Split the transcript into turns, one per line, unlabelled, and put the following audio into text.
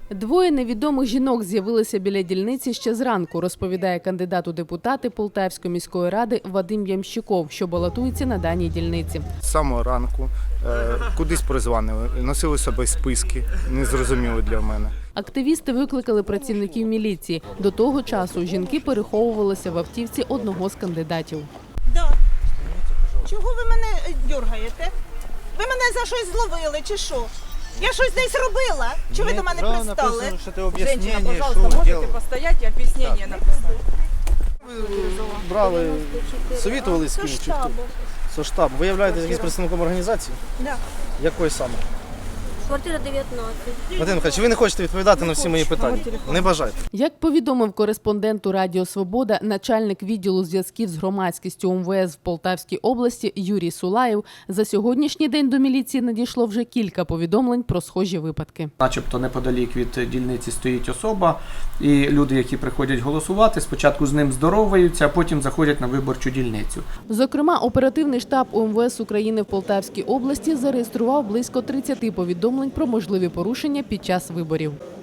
Двоє невідомих жінок з'явилися біля дільниці ще зранку, розповідає кандидат у депутати Полтавської міської ради Вадим Ямщиков, що балотується на даній дільниці.
З самого ранку кудись призванили, носили з собою списки, незрозуміло для мене.
Активісти викликали працівників міліції. До того часу жінки переховувалися в автівці одного з кандидатів.
Да. Чого ви мене дергаєте? Ви мене за щось зловили чи що? Я щось десь робила? Чи ви до мене пристали?
Женщина, пожалуйста, можете постоять и объяснение написать?
Брали, совітували з ким? Чи хто? Со штабу. Ви являєтесь якимось представником організації?
Да.
Якої саме?
Квартира 19.
Вадим Михайлович, ви не хочете відповідати на всі мої питання? Не бажайте.
Як повідомив кореспонденту Радіо Свобода, начальник відділу зв'язків з громадськістю МВС в Полтавській області Юрій Сулаєв, за сьогоднішній день до міліції надійшло вже кілька повідомлень про схожі випадки.
Начебто неподалік від дільниці стоїть особа, і люди, які приходять голосувати, спочатку з ним здороваються, а потім заходять на виборчу дільницю.
Зокрема, оперативний штаб УМВС України в Полтавській області зареєстрував близько 30 повідомлень про можливі порушення під час виборів.